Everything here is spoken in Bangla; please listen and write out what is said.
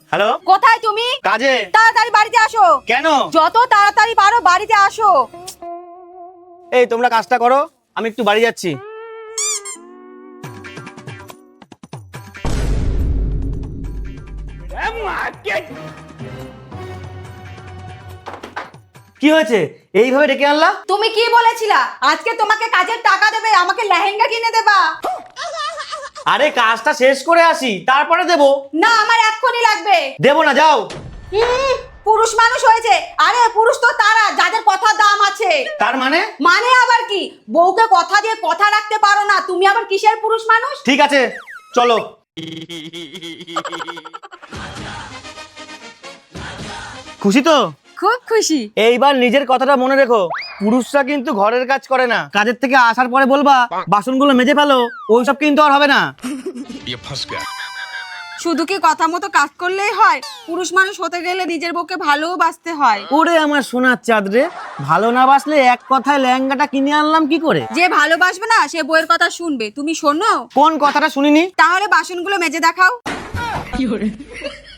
হ্যালো, কোথায় তুমি? কাজে। তাড়াতাড়ি বাড়িতে আসো। কেন? যত তাড়াতাড়ি পারো বাড়িতে আসো। এই তোমরা কাজটা করো, আমি একটু বাড়ি যাচ্ছি। কি হয়েছে, এইভাবে ডেকে আনলা? তুমি কি বলেছিলা আজকে তোমাকে কাজের টাকা দেবে, আমাকে লেহেঙ্গা কিনে দেবা? আরে কাজটা শেষ করে আসি, তারপরে দেবো। না, আমার এক্ষুনি লাগবে। দেবো না, যাও। পুরুষ মানুষ হয়েছে। আরে পুরুষ তো তারা যাদের কথা দাম আছে। তার মানে? মানে আবার কি? বউকে কথা দিয়ে কথা রাখতে পারো না, তুমি আবার কিসের পুরুষ মানুষ? ঠিক আছে, চলো। খুশি তো? খুব খুশি। এইবার নিজের কথাটা মনে রেখো, পুরুষরা কিন্তু ঘরের কাজ করে না। কাজের থেকে আসার পরে বলবা বাসনগুলো মেজে ফেলো, ওইসব কিন্তু আর হবে না। শুধু কি কথা মতো কাজ করলেই হয়? পুরুষ মানুষ হতে গেলে নিজের বউকে ভালোবাসতে হয়। ওরে আমার সোনার চাঁদ রে, ভালো না বাসলে এক কথায় লেহেঙ্গাটা কিনে আনলাম কি করে? যে ভালোবাসবে না সে বউয়ের কথা শুনবে। তুমি শোনো। কোন কথাটা শুনিনি? তাহলে বাসনগুলো মেজে দেখাও।